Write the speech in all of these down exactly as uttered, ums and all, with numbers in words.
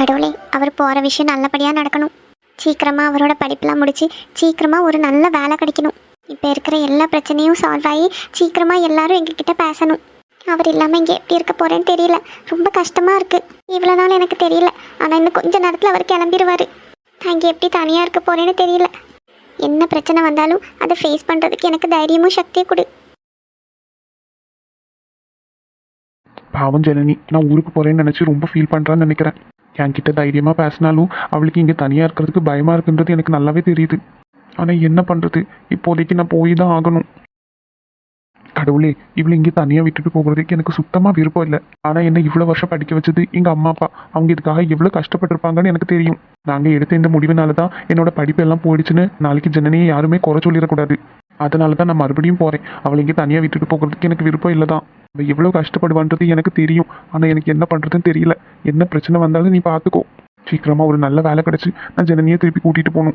கடவுளே, அவர் போகிற விஷயம் நல்லபடியாக நடக்கணும். சீக்கிரமாக அவரோட படிப்பெலாம் முடித்து சீக்கிரமாக ஒரு நல்ல வேலை கிடைக்கணும். இப்போ இருக்கிற எல்லா பிரச்சனையும் சால்வ் ஆகி சீக்கிரமாக எல்லாரும் எங்ககிட்ட பேசணும். அவர் இல்லாமல் இங்கே எப்படி இருக்க போகிறேன்னு தெரியல. ரொம்ப கஷ்டமாக இருக்குது. இவ்வளோ நாள் எனக்கு தெரியல, ஆனால் இன்னும் கொஞ்ச நேரத்தில் அவர் கிளம்பிடுவார். நான் இங்கே எப்படி தனியாக இருக்க போகிறேன்னு தெரியல. என்ன பிரச்சனை வந்தாலும் அதை ஃபேஸ் பண்ணுறதுக்கு எனக்கு தைரியமும் சக்தியும் கொடு. பாவம் ஜனனி, நான் ஊருக்கு போகிறேன்னு நினச்சி ரொம்ப ஃபீல் பண்ணுறான்னு நினைக்கிறேன். என்கிட்ட தைரியமாக பேசினாலும் அவளுக்கு இங்கே தனியாக இருக்கிறதுக்கு பயமாக இருக்குன்றது எனக்கு நல்லாவே தெரியுது. ஆனால் என்ன பண்ணுறது, இப்போதைக்கு நான் போய் தான் ஆகணும். கடவுளே, இவளை இங்கே தனியாக விட்டுட்டு போகிறதுக்கு எனக்கு சுத்தமாக விருப்பம் இல்லை. ஆனால் என்ன இவ்வளோ வருஷம் படிக்க வச்சது எங்கள் அம்மா அப்பா. அவங்க இதுக்காக எவ்வளோ கஷ்டப்பட்டிருப்பாங்கன்னு எனக்கு தெரியும். நாங்கள் எடுத்த இந்த முடிவுனால தான் என்னோட படிப்பு எல்லாம் போயிடுச்சுன்னு நாளைக்கு ஜனனியை யாருமே குறை சொல்லிடக்கூடாது. அதனால தான் நான் மறுபடியும் போகிறேன். அவளை இங்கே தனியாக விட்டுட்டு போகிறதுக்கு எனக்கு விருப்பம் இல்லை தான். அவள் எவ்வளோ கஷ்டப்படுவான்றது எனக்கு தெரியும். ஆனால் எனக்கு என்ன பண்ணுறதுன்னு தெரியல. என்ன பிரச்சனை வந்தாலும் நீ பார்த்துக்கோ. சீக்கிரமாக ஒரு நல்ல வேலை கிடச்சி நான் ஜனனியை திருப்பி கூட்டிகிட்டு போகணும்.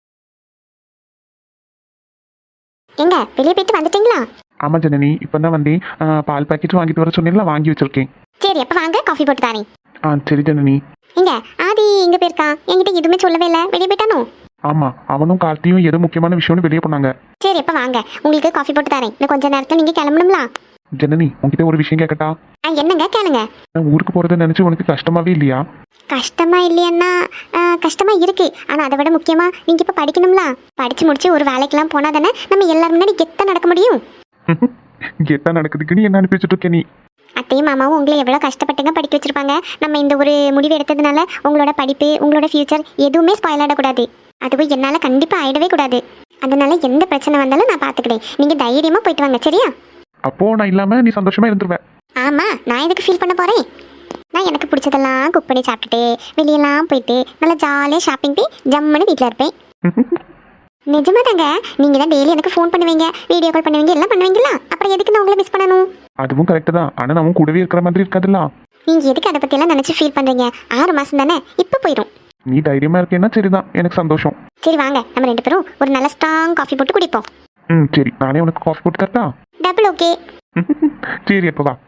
எங்க வெளியே போயிட்டு வந்துட்டீங்களா? ஆமாம் ஜனனி, இப்போ தான் வந்தேன். பால் பாக்கெட் வாங்கிட்டு வர சொன்னீங்களா, வாங்கி வச்சிருக்கேன். சரி, அப்போ வாங்க, காஃபி போட்டு தாரேன். ஆ சரி ஜனனி. எங்க ஆதி எங்கே போயிருக்கா? என்கிட்ட எதுவுமே சொல்லவே இல்லை. வெளியே போயிட்டானோ? ஆமாம், அவனும் கார்த்தியும் ஏதோ முக்கியமான விஷயம்னு வெளியே போனாங்க. சரி, அப்போ வாங்க, உங்களுக்கு காஃபி போட்டு தரேன். இன்னும் கொஞ்ச நேரத்தில் நீங்கள் கிளம்பணும்ல. ஜனனி, உங்ககிட்ட ஒரு விஷயம் கேட்கட்டா? ஆ என்னங்க, கேளுங்க. நான் ஊருக்கு போகிறத நினச்சி உனக்கு கஷ்டமாவே இல்லையா? கஷ்டமா இல்லையன்னா கஷ்டமா இருக்கு. ஆனால் அதை விட முக்கியமாக நீங்கள் இப்போ படிக்கணும்ல. படித்து முடிச்சு ஒரு வேலைக்கெல்லாம் போனால் தானே நம்ம எல்லாரும் முன்னாடி கெத்தாக நடக்க முடியும். கெத்தாக நடக்குதுக்கு நீ என்ன அனுப்பி வச்சுட்டு இருக்க? நீ அத்தையும் மாமாவும் உங்களை எவ்வளோ கஷ்டப்பட்டுங்க படிக்க வச்சிருப்பாங்க. நம்ம இந்த ஒரு முடிவு எடுத்ததுனால உங்களோட படிப்பு, உங்களோட ஃபியூச்சர் எதுவுமே ஸ்பாயில் ஆகிடக்கூடாது. அதுவும் என்னால் கண்டிப்பாக ஆகிடவே கூடாது. அதனால எந்த பிரச்சனை வந்தாலும் நான் பார்த்துக்கிட்டேன். நீங்கள் தைரியமாக போயிட்டு வாங்க, சரியா? அப்போ நான் இல்லாமல் நீ சந்தோஷமா இருந்துருவேன். ஆமாம், நான் எதுக்கு ஃபீல் பண்ண போகிறேன்? நான் எனக்கு பிடிச்சதெல்லாம் குக் பண்ணி சாப்பிட்டுட்டு வெளியெல்லாம் போயிட்டு நல்லா ஜாலியாக ஷாப்பிங் போய் ஜம்முன்னு வீட்டில் இருப்பேன். நிஜமா தாங்க. நீங்கள் தான் டெய்லி எனக்கு ஃபோன் பண்ணுவீங்க, வீடியோ கால் பண்ணுவீங்க, எல்லாம் பண்ணுவீங்களா? அப்புறம் எதுக்கு நான் உங்களை மிஸ் பண்ணணும்? அதுவும் கரெக்டு தான். ஆனால் நான் கூடவே இருக்கிற மாதிரி இருக்காதுல்ல. நீங்கள் எதுக்கு அதை பற்றியெல்லாம் நினச்சி ஃபீல் பண்ணுறீங்க? ஆறு மாதம் தானே, இப்போ போயிடும். நீ தைரியமா இருக்கேன்னா சரிதான், எனக்கு சந்தோஷம். சரி வாங்க, நம்ம ரெண்டு பேரும் ஒரு நல்ல ஸ்ட்ராங் காஃபி போட்டு குடிப்போம். ம் சரி, நானே உனக்கு காஃபி போட்டு தரட்டா? Double okay. சரி, அப்போ வா.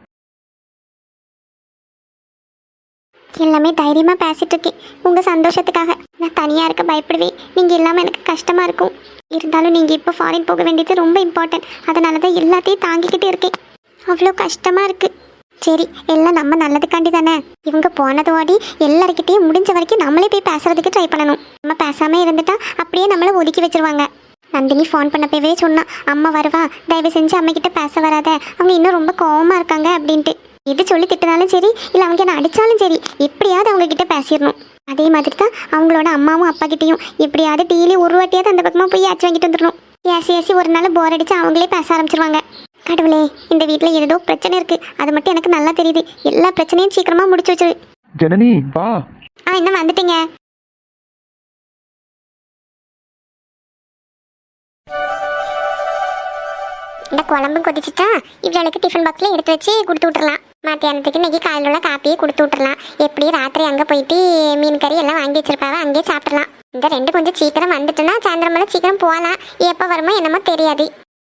எல்லாமே தைரியமாக பேசிட்டு இருக்கேன் உங்கள் சந்தோஷத்துக்காக. நான் தனியாக இருக்க பயப்படுவேன். நீங்கள் இல்லாமல் எனக்கு கஷ்டமாக இருக்கும். இருந்தாலும் நீங்கள் இப்போ ஃபாரின் போக வேண்டியது ரொம்ப இம்பார்ட்டன்ட். அதனால தான் எல்லாத்தையும் தாங்கிக்கிட்டு இருக்கேன். அவ்வளோ கஷ்டமாக இருக்குது. சரி, எல்லாம் நம்ம நல்லதுக்காண்டி தானே. இவங்க போனதோடி எல்லாருக்கிட்டையும் முடிஞ்ச வரைக்கும் நம்மளே போய் பேசுறதுக்கு ட்ரை பண்ணணும். நம்ம பேசாமல் இருந்துட்டா அப்படியே நம்மளை ஒதுக்கி வச்சிருவாங்க. நந்தினி ஃபோன் பண்ணப்பவே சொன்னா, அம்மா வருவா, தயவு செஞ்சு அம்மாக்கிட்ட பேச வராத, அவங்க இன்னும் ரொம்ப கோவமாக இருக்காங்க அப்படின்ட்டு. எது சொல்லி திட்டினாலும் சரி, இல்லை அவங்க என்ன அடித்தாலும் சரி, எப்படியாவது அவங்கக்கிட்ட பேசிடணும். அதே மாதிரி தான் அவங்களோட அம்மாவும் அப்பா கிட்டேயும் எப்படியாவது டெய்லி ஒரு வாட்டியாவது அந்த பக்கமாக போய் ஆச்சு வாங்கிட்டு வந்துடணும். ஏசி ஏசி ஒரு நாள் போர் அடித்து அவங்களே பேச ஆரம்பிச்சிருவாங்க. கடவுளே, இந்த வீட்டில் ஏதோ பிரச்சனை இருக்கு. அது மட்டும் எனக்கு நல்லா தெரியுது. எல்லா பிரச்சனையும் சீக்கிரமாக முடிச்சு வச்சிரு. ஜனனி வா. ஆ என்ன வந்துட்டீங்க? இந்த குழம்பு கொதிச்சுட்டா இவ்வளவுக்கு டிஃபன் பாக்ஸில் எடுத்து வச்சு கொடுத்து விட்டுறலாம். மத்தியானத்துக்கு இன்னைக்கு காலையில் உள்ள காப்பியே கொடுத்து விட்டுறலாம். எப்படி ராத்திரி அங்கே போயிட்டு மீன் கறி எல்லாம் வாங்கி வச்சிருப்பாவ, அங்கேயே சாப்பிடலாம். இந்த ரெண்டு கொஞ்சம் சீக்கிரம் வந்துட்டுன்னா சாயந்தரம் மேலே சீக்கிரம் போகலாம். எப்போ வருமோ என்னமோ தெரியாது.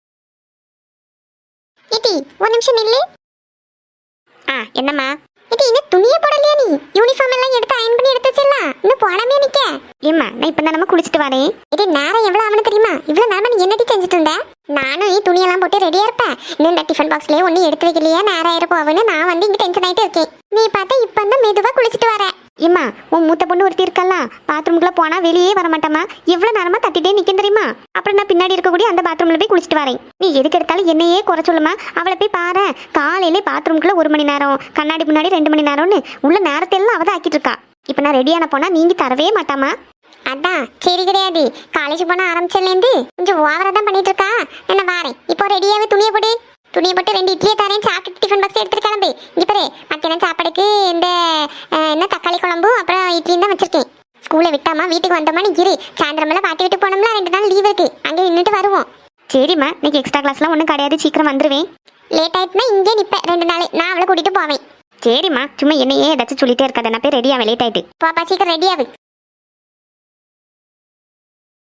இட்டி ஒரு நிமிஷம் நில்லு. ஆ என்னம்மா? இட்டி இன்னும் துணியே போடலையா? நீ யூனிஃபார்ம் எல்லாம் எடுத்து அயன் பண்ணி எடுத்து வச்சிடலாம். இன்னும் போடாமே நிற்க. ஏம்மா, நான் இப்போ தான் நம்ம குளிச்சுட்டு வரேன். இது நேரம் எவ்வளோ ஆகுன்னு தெரியுமா? இவ்வளோ நேரம் நீ என்னடி செஞ்சுட்டு இருந்த? நானும் நீ துணியெல்லாம் போட்டு ரெடியாக இருப்பேன். இன்னும் இந்த டிஃபன் பாக்ஸ்லேயே ஒன்றும் எடுத்து வைக்கலையே, நேரம் ஆயிருப்போன்னு நான் வந்து இங்கே டென்ஷன் ஆகிட்டு இருக்கேன். நீ பார்த்தா இப்போ தான் மெதுவாக குளிச்சுட்டு வர. ஏம்மா, உன் மூத்த பொண்ணு ஒருத்தி இருக்கல்ல, பாத்ரூம்குள்ளே போனால் வெளியே வர மாட்டேம்மா. எவ்வளோ நேரமாக தட்டிட்டே நிற்கும் தெரியுமா? அப்புறம் நான் பின்னாடி இருக்கக்கூடிய அந்த பாத்ரூமில் போய் குளிச்சுட்டு வரேன். நீ எதுக்கு எடுத்தாலும் என்னையே குறை சொல்லுமா? அவளை போய் பாரு. காலையிலே பாத்ரூம்குள்ளே ஒரு மணி நேரம், கண்ணாடி முன்னாடி ரெண்டு மணி நேரம்னு உள்ள நேரத்தையெல்லாம் அவள் தான் ஆக்கிட்டு இருக்கா. இப்போ நான் ரெடியான போனால் நீங்கள் தரவே மாட்டாமா? அதான் சரி கிடையாது. காலேஜ் போன ஆரம்பிச்சதுலேருந்து கொஞ்சம் ஓவரா தான் பண்ணிட்டு இருக்கா. என்ன வாரேன், இப்போ ரெடியாவே துணியை போட்டு துணியை போட்டு ரெண்டு இட்லியை தரேன். சாப்பிட்டு டிஃபன் பாக்ஸ் எடுத்துட்டு கிளம்பு. இங்கே பாரு, மத்தியானம் சாப்பாடுக்கு இந்த என்ன தக்காளி குழம்பு அப்புறம் இட்லியும் தான் வச்சிருக்கேன். ஸ்கூலை விட்டாமா வீட்டுக்கு வந்தோமா நீ இரு. சாயந்தரமெல்லாம் பாட்டி விட்டு போனோம்ல, ரெண்டு நாள் லீவ் இருக்கு, அங்கே நின்றுட்டு வருவோம். சரிம்மா, இன்னைக்கு எக்ஸ்ட்ரா கிளாஸ்லாம் ஒன்றும் கிடையாது, சீக்கிரம் வந்துடுவேன். லேட் ஆயிட்டுனா இங்கே நிற்பேன் ரெண்டு நாள், நான் அவளை கூட்டிட்டு போவேன். சரிம்மா, சும்மா என்னையே ஏதாச்சும் சொல்லிட்டே இருக்காது. நான் போய் ரெடியாவே லேட் ஆயிட்டு. பாப்பா சீக்கிரம் ரெடியாவு.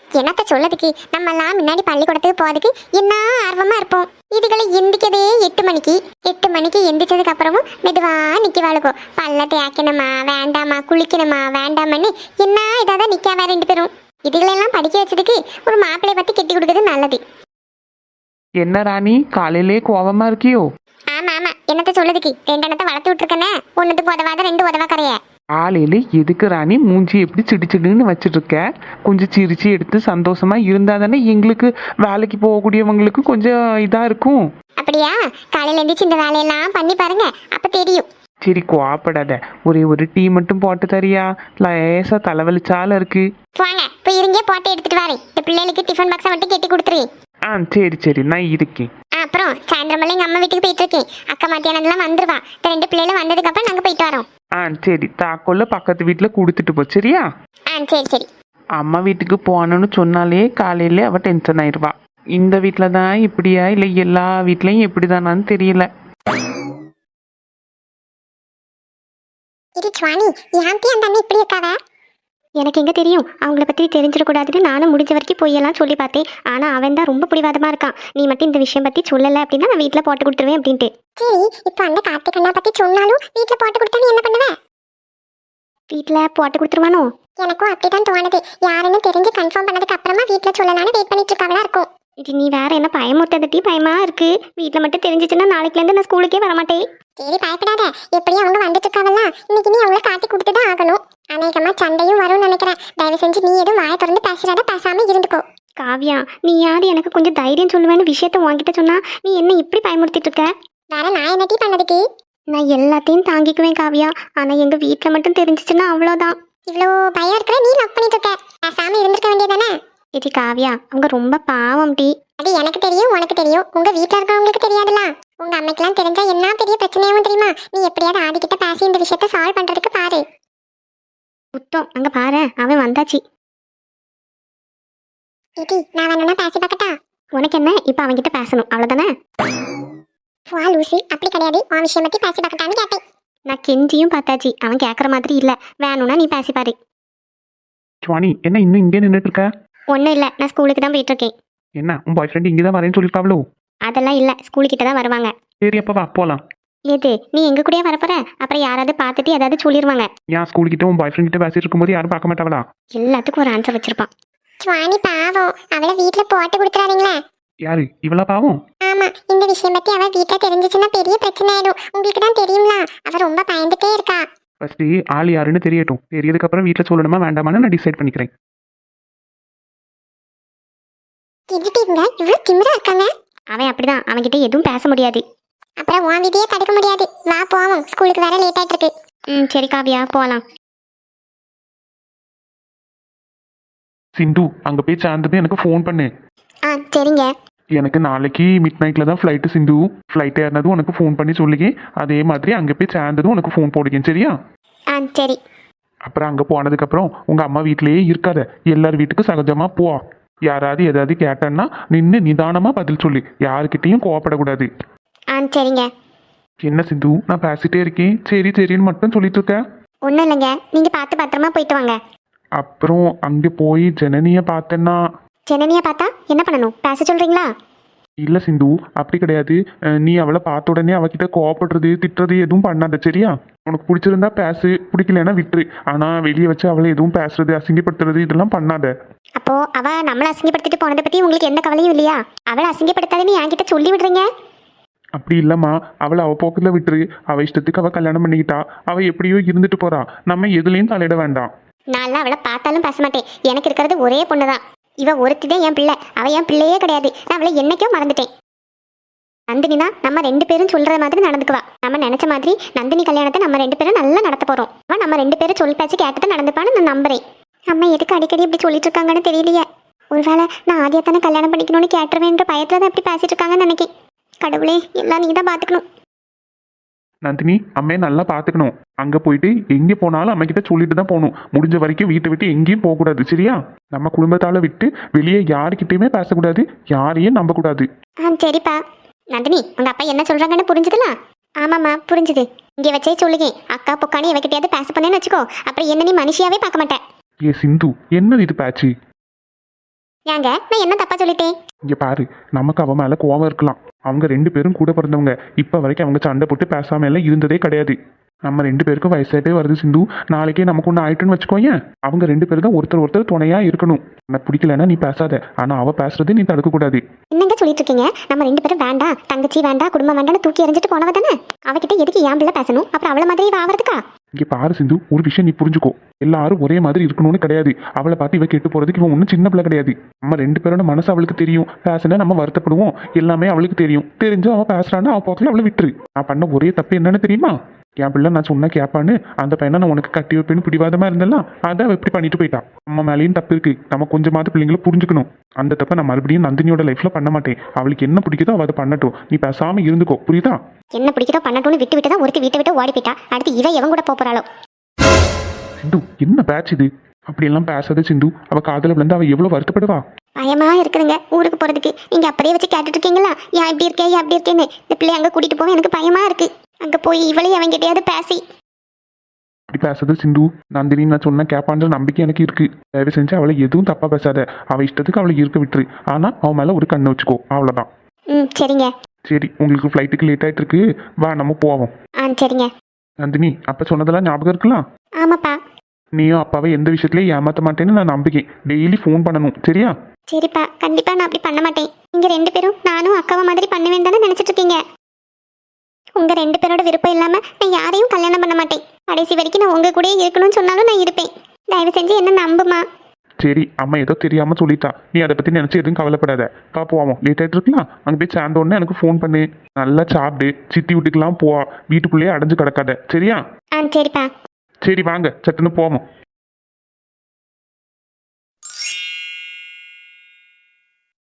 என்னத்த சொல்லதுக்கு நம்ம எல்லாம் முன்னாடி பள்ளிக்கூடத்துக்கு போறதுக்கு என்ன ஆர்வமா இருப்போம். இதுகளை எந்திக்கதே எட்டு மணிக்கு எட்டு மணிக்கு எந்திரிச்சதுக்கு அப்புறமும் மெதுவா நிக்க வாழுக்கும். பல்ல தேய்க்கணுமா வேண்டாமா, குளிக்கணுமா வேண்டாமன்னு என்ன இதாதான் நிக்காவ ரெண்டு பேரும். இதுகளெல்லாம் படிக்க வச்சதுக்கு ஒரு மாப்பிள்ளைய பத்தி கெட்டி கொடுக்கறது நல்லது. என்ன ராணி காலையிலே கோவமா இருக்கியோ? ஆமா ஆமா, என்னத்த சொல்லதுக்கு ரெண்டு எண்ணத்தை வளர்த்து விட்டுருக்கேனே, ஒன்னுக்கு உதவாத ரெண்டு உதவா கரைய. காலையில எதுக்கு ராணி மூஞ்சி எப்படி சிடிச்சிடுன்னு வச்சிட்டு இருக்க? கொஞ்சம் சிரிச்சு எடுத்து சந்தோஷமா இருந்தா தானே எங்களுக்கு வேலைக்கு போகக்கூடியவங்களுக்கு கொஞ்சம் இதா இருக்கும். அப்படியா? காலையில எந்திரிச்சு இந்த வேலையெல்லாம் பண்ணி பாருங்க, அப்ப தெரியும். சரி கோவப்படாத, ஒரே ஒரு டீ மட்டும் போட்டு தரியா? லேசா தலைவலிச்சால இருக்கு. வாங்க போய் இருங்கே, போட்டு எடுத்துட்டு வரேன். இந்த பிள்ளைகளுக்கு டிஃபன் பாக்ஸை மட்டும் கெட்டி கொடுத்துருவேன். ஆ சரி சரி நான் இருக்கேன். அப்புறம் சாயந்தரம் எங்க அம்மா வீட்டுக்கு போயிட்டு இருக்கேன். அக்கா மத்தியானம்லாம் வந்துருவா. இந்த ரெண்டு பிள்ளைகளும் வந்ததுக்கு அப்புறம் நாங்க போயிட்டு வரோம். ஆ சரி, தாக்கோல்ல பக்கத்து வீட்டுல கொடுத்துட்டு போ சரியா? ஆ சரி சரி. அம்மா வீட்டுக்கு போகணும்னு சொன்னாலே காலையில அவ டென்ஷன் ஆயிடுவா. இந்த வீட்டில தான் இப்படியா இல்லை எல்லா வீட்லயும் இப்படிதானான்னு தெரியல. இது சுவாணி, யாந்தி அந்த அண்ணன் இப்படி இருக்காவ? எனக்கு எங்க தெரியும், அவங்கள பத்தி தெரிஞ்சிடக்கூடாதுன்னு நானும் முடிஞ்ச வரைக்கும் பொய்யெல்லாம் சொல்லி பார்த்தேன். ஆனா அவன் தான் ரொம்ப பிடிவாதமா இருக்கான். நீ மட்டும் இந்த விஷயம் பத்தி சொல்லல அப்படின்னா நான் வீட்டுல போட்டு கொடுத்துருவேன் அப்படின்ட்டு. சரி, இப்போ அந்த கார்த்திக் அண்ணா பத்தி சொன்னாலும் வீட்டுல போட்டு கொடுத்தா நீ என்ன பண்ணுவ? வீட்டுல போட்டு கொடுத்துருவானோ? எனக்கும் அப்படிதான் தோணுது. யாருன்னு தெரிஞ்சு கன்ஃபார்ம் பண்ணதுக்கு அப்புறமா வீட்டுல சொல்லலாம்னு வெயிட் பண்ணிட்டு இருக்காங்களா இருக்கும். இது நீ வேற என்ன பயமுறுத்ததட்டி பயமா இருக்கு. வீட்டுல மட்டும் தெரிஞ்சிச்சுன்னா நாளைக்குல இருந்து நான் ஸ்கூலுக்கே வரமாட்டேன். சரி பயப்படாத, எப்படியும் அவங்க வந்துட்டு இருக்காவல்ல, இன்னைக்கு நீ அவங்கள காட்டி கொடுத்துதான் ஆகணும். அநேகமா சண்டையும் வரும்னு நினைக்கிறேன். தயவு செஞ்சு நீ எதுவும் வாயை திறந்து பேசுறாத, பேசாம இருந்துக்கோ. காவியா, நீ யாரு எனக்கு கொஞ்சம் தைரியம் சொல்லுவேன்னு விஷயத்த உன்கிட்ட சொன்னா நீ என்ன இப்படி பயமுறுத்திட்டு இருக்க? வேற நான் என்ன டீ பண்ணதுக்கு? நான் எல்லாத்தையும் தாங்கிக்குவேன் காவியா, ஆனா எங்க வீட்டுல மட்டும் தெரிஞ்சிச்சுன்னா அவ்வளவுதான். இவ்வளோ பயம் இருக்கிற நீ லவ் பண்ணிட்டு இருக்க, பேசாம இருந்திருக்க வேண்டியதானே? இது காவியா, அவங்க ரொம்ப பாவம் டி. அது எனக்கு தெரியும், உனக்கு தெரியும், உங்க வீட்டுல இருக்கவங்களுக்கு தெரியாதுல. உங்க அம்மைக்கெல்லாம் தெரிஞ்சா என்ன பெரிய பிரச்சனையாவும் தெரியுமா? நீ எப்படியாவது ஆதிக்கிட்ட பேசி இந்த விஷயத்த சால்வ் பண்றதுக்கு பாரு. புத்தம் அங்க பாரு, அவன் வந்தாச்சு. இடி, நான் வேணும்னா பேசி பார்க்கட்டா? உனக்கு என்ன, இப்ப அவன்கிட்ட பேசணும் அவ்வளவுதானே? வா லூசி, அப்படி கிடையாது, உன் விஷயம் பத்தி பேசி பார்க்கட்டான்னு கேட்டேன். நான் கெஞ்சியும் பார்த்தாச்சு, அவன் கேட்கற மாதிரி இல்ல. வேணும்னா நீ பேசி பாரு. சுவாணி, என்ன இன்னும் இங்கே நின்றுட்டு இருக்க? ஒன்றும் இல்லை, நான் ஸ்கூலுக்கு தான் போயிட்டு இருக்கேன். என்ன உன் பாய் ஃப்ரெண்ட் இங்கே தான் வரேன்னு சொல்லியிருக்காவளோ? அதெல்லாம் இல்லை, ஸ்கூலுக்கிட்ட தான் வருவாங்க. சரி அப்போ வா போகலாம். ஏது நீ எங்க கூடயே வரப்போற? அப்புறம் யாராவது பார்த்துட்டு ஏதாவது சொல்லிடுவாங்க. ஏன் ஸ்கூல் கிட்ட உன் பாய் ஃப்ரெண்ட் கிட்ட பேசிட்டு இருக்கும்போது யாரும் பார்க்க மாட்டாங்களா? எல்லாத்துக்கும் ஒரு ஆன்சர் வச்சிருப்பான். சுவாணி பாவம், அவளை வீட்டுல போட்டு கொடுத்துறாதீங்களா? யாரு இவளா பாவம்? ஆமா, இந்த விஷயம் பத்தி அவ வீட்டுல தெரிஞ்சிச்சுன்னா பெரிய பிரச்சனை ஆயிடும். உங்களுக்கு தான் தெரியும்ல, அவ ரொம்ப பயந்துட்டே இருக்கா. ஃபர்ஸ்ட் ஆள் யாருன்னு தெரியட்டும். தெரியதுக்கு அப்புறம் வீட்டுல சொல்லணுமா வேண்டாமான்னு நான் டிசைட் பண்ணிக்கிறேன். எதுட்டீங்க இவ்வளவு திமிரா இருக்காங்க? அவன் அப்படிதான், அவன்கிட்ட எதுவும் பேச முடியாது. அப்புறம் உன் விதியே தடுக்க முடியாது. வா போவோம், ஸ்கூலுக்கு வேற லேட் ஆயிட்டு இருக்கு. ம் சரி காவியா, போகலாம். சிந்து, அங்க போய் சேர்ந்தது எனக்கு ஃபோன் பண்ணு. ஆ சரிங்க. எனக்கு நாளைக்கு மிட் நைட்ல தான் ஃப்ளைட்டு சிந்து. ஃப்ளைட் ஏறினதும் உனக்கு ஃபோன் பண்ணி சொல்லுங்க. அதே மாதிரி அங்கே போய் சேர்ந்ததும் உனக்கு ஃபோன் போடுங்க சரியா? ஆ சரி. அப்புறம் அங்கே போனதுக்கப்புறம் உங்க அம்மா வீட்டிலேயே இருக்காத, எல்லார் வீட்டுக்கும் சகஜமா போ. யாராவது ஏதாவது கேட்டேன்னா நின்று நிதானமா பதில் சொல்லு, யாருக்கிட்டையும் கோவப்படக்கூடாது. ஆ சரிங்க. என்ன சிந்து, நான் பேசிட்டே இருக்கேன் சரி சரின்னு மட்டும் சொல்லிட்டு இருக்க? ஒன்றும் இல்லைங்க, நீங்கள் பார்த்து பத்திரமா போயிட்டு வாங்க. அப்புறம் அங்கே போய் ஜனனியை பார்த்தேன்னா? ஜனனியை பார்த்தா என்ன பண்ணணும், பேச சொல்கிறீங்களா? இல்லை சிந்து, அப்படி கிடையாது. அஹ் நீ அவளை பார்த்த உடனே அவகிட்ட கோவப்படுறது திட்டுறது எதுவும் பண்ணாத சரியா? உனக்கு பிடிச்சிருந்தா பேசு, பிடிக்கலன்னா விட்டுரு. ஆனால் வெளியே வச்சு அவளை எதுவும் பேசுறது அசிங்கப்படுத்துறது இதெல்லாம் பண்ணாத. அப்போ அவ நம்மளை அசிங்கப்படுத்திட்டு போனதை பற்றி உங்களுக்கு எந்த கவலையும் இல்லையா? அவளை அசிங்கப்படுத்தாதுன்னு என்கிட்ட சொல்லி விடுறீங்க. அப்படி இல்லைம்மா, அவளை அவள் போக்கத்தில் விட்டுரு. அவள் இஷ்டத்துக்கு அவள் கல்யாணம் பண்ணிக்கிட்டா, அவள் எப்படியோ இருந்துட்டு போறா. நம்ம எதுலேயும் தலையிட வேண்டாம். நான்லாம் அவளை பார்த்தாலும் பேச மாட்டேன். எனக்கு இருக்கிறது ஒரே பொண்ணு தான். இவ ஒருத்தி தான் என் பிள்ளை, அவள் என் பிள்ளையே கிடையாது. நான் அவளை என்னைக்கோ மறந்துட்டேன். நந்தினினா நம்ம ரெண்டு பேரும் சொல்ற மாதிரி நடந்துக்குவா. நம்ம நினைச்ச மாதிரி நந்தினி கல்யாணத்தை நம்ம ரெண்டு பேரும் நல்லா நடத்த போறோம். அவன் நம்ம ரெண்டு பேரும் சொல் பேச்சு கேட்டுட்டு நடந்துப்பான்னு நான் நம்புறேன். அம்மா எதுக்கு அடிக்கடி இப்படி சொல்லிட்டு இருக்காங்கன்னு தெரியலையே. ஒருவேளை நான் ஆதியத்தானே கல்யாணம் பண்ணிக்கணும்னு கேட்டுருவேன்ற பயத்துல தான் இப்படி பேசிட்டு இருக்காங்கன்னு நினைக்கேன். கடவுளே, எல்லாம் நீ தான் பார்த்துக்கணும். நந்தினி, அம்மையை நல்லா பார்த்துக்கணும். அங்கே போயிட்டு எங்கே போனாலும் அம்மைக்கிட்ட சொல்லிட்டு தான் போகணும். முடிஞ்ச வரைக்கும் வீட்டை விட்டு எங்கேயும் போகக்கூடாது சரியா? நம்ம குடும்பத்தால் விட்டு வெளியே யாருக்கிட்டையுமே பேசக்கூடாது, யாரையும் நம்பக்கூடாது. ஆ சரிப்பா. நந்தினி, உங்க அப்பா என்ன சொல்றாங்கன்னு புரிஞ்சுதுல? ஆமாம்மா புரிஞ்சுது. இங்கே வச்சே சொல்லுங்க, அக்கா பொக்கானி எவகிட்டையாவது பேச பண்ணேன்னு வச்சுக்கோ, அப்புறம் என்ன நீ மனுஷியாவே பார்க்க மாட்டேன். ஏ சிந்து, என்னது இது பேச்சு? ஏங்க நான் என்ன தப்பா சொல்லிட்டேன்? இங்க பாரு, நமக்கு அவன் மேல கோவம் இருக்கலாம். அவங்க ரெண்டு பேரும் கூட பிறந்தவங்க. இப்ப வரைக்கும் அவங்க சண்டை போட்டு பேசாம எல்லாம் இருந்ததே கிடையாது. நம்ம ரெண்டு பேருக்கும் வயசாயிட்டே வருது சிந்து. நாளைக்கே நமக்கு ஒன்று ஆயிட்டுன்னு வச்சுக்கோயேன். அவங்க ரெண்டு பேரும் தான் ஒருத்தர் ஒருத்தர் துணையா இருக்கணும். எனக்கு பிடிக்கலன்னா நீ பேசாத, ஆனா அவ பேசுறது நீ தடுக்க கூடாது. என்னங்க சொல்லிட்டு இருக்கீங்க? நம்ம ரெண்டு பேரும் வேண்டாம், தங்கச்சி வேண்டாம், குடும்பம் வேண்டாம்னு தூக்கி எறிஞ்சிட்டு போனவ தானே. அவகிட்ட எதுக்கு ஏன் பிள்ளை பேசணும்? அப்புறம் அவள மாதிரி இவ ஆவறதுக்கா? இங்க பாரு சிந்து, ஒரு விஷயம் நீ புரிஞ்சுக்கோ. எல்லாரும் ஒரே மாதிரி இருக்கணும்னு கிடையாது. அவளை பார்த்து இவ கெட்டு போறதுக்கு இவன் ஒன்றும் சின்ன பிள்ளை கிடையாது. நம்ம ரெண்டு பேரோட மனசு அவளுக்கு தெரியும். பேசினா நம்ம வருத்தப்படுவோம். எல்லாமே அவளுக்கு தெரியும். தெரிஞ்சு அவ பேசுறான்னு அவ போக்கில் அவளை விட்டுரு. நான் பண்ண ஒரே தப்பு என்னன்னு தெரியுமா? என் பிள்ளை நான் சொன்னா கேட்பான்னு அந்த பையனை நான் உனக்கு கட்டி வைப்பேன்னு பிடிவாதமா இருந்தெல்லாம் அதை அவ இப்படி பண்ணிட்டு போயிட்டான். நம்ம மேலேயும் தப்பு இருக்கு. நம்ம கொஞ்சமாவது பிள்ளைங்களை புரிஞ்சுக்கணும். அந்த தப்பை நான் மறுபடியும் நந்தினியோட லைஃப்ல பண்ண மாட்டேன். அவளுக்கு என்ன பிடிக்குதோ அவ அதை பண்ணட்டும். நீ பேசாம இருந்துக்கோ, புரியுதா? என்ன பிடிக்குதோ பண்ணட்டும்னு விட்டு விட்டு தான் ஒருத்தி வீட்டை விட்டு ஓடி போயிட்டா. அடுத்து இவ எவன் கூட போப் போறாளோ? சிந்து, என்ன பேட்ச் இது? அப்படியெல்லாம் பேசாத சிந்து. அவ காதல விழுந்து அவ எவ்வளவு வருத்தப்படுவா. பயமா இருக்குதுங்க ஊருக்கு போறதுக்கு. நீங்க அப்படியே வச்சு கேட்டுட்டு இருக்கீங்களா? ஏன் இப்படி இருக்கே, ஏன் அப்படி இருக்கேன்னு. இந்த பிள்ளை அங்க கூட்டிட்டு போக எனக்கு பயமா இருக்கு. அங்க போய் இவளையும் அவன் கிட்டயாவது பேசி. அப்படி பேசாத சிந்து. நந்தினி நான் சொன்ன கேப்பான்ற நம்பிக்கை எனக்கு இருக்கு. தயவு செஞ்சு அவளை எதுவும் தப்பா பேசாத. அவ இஷ்டத்துக்கு அவளை இருக்க விட்டுரு. ஆனா அவன் மேல ஒரு கண்ணை வச்சுக்கோ, அவ்வளவுதான். ம் சரிங்க. சரி, உங்களுக்கு ஃப்ளைட்டுக்கு லேட் ஆயிட்டு இருக்கு. வா நம்ம போவோம். ஆ சரிங்க. நந்தினி, அப்ப சொன்னதெல்லாம் ஞாபகம் இருக்கலாம். ஆமாப்பா. நீயும் அப்பாவை எந்த விஷயத்துலயும் ஏமாத்த மாட்டேன்னு நான் நம்பிக்கேன். டெய்லி ஃபோன் பண்ணணும், சரியா? சரிப்பா, கண்டிப்பா நான் அப்படி பண்ண மாட்டேன். நீங்க ரெண்டு பேரும் நானும் அக்காவை மாதிரி பண்ணுவேன் தானே நினைச்சிட்டு இருக்கீங்க. உங்க ரெண்டு பேரோட விருப்பம் இல்லாம நான் யாரையும் கல்யாணம் பண்ண மாட்டேன். கடைசி வரைக்கும் நான் உங்க கூடயே இருக்கணும்னு சொன்னாலும் நான் இருப்பேன். தயவு செஞ்சு என்ன நம்புமா. சரி, அம்மா ஏதோ தெரியாம சொல்லிட்டா. நீ அதை பத்தி நினைச்சு எதுவும் கவலைப்படாத. பா போவோம். லேட் ஆயிட்டு இருக்கலாம். அங்க போய் சேர்ந்த உடனே எனக்கு ஃபோன் பண்ணு. நல்லா சாப்பிடு. சித்தி வீட்டுக்கெல்லாம் போவா. வீட்டுக்குள்ளேயே அடைஞ்சு கிடக்காத, சரியா? ஆ சரிப்பா. சரி வாங்க, சட்டுன்னு போவோம்.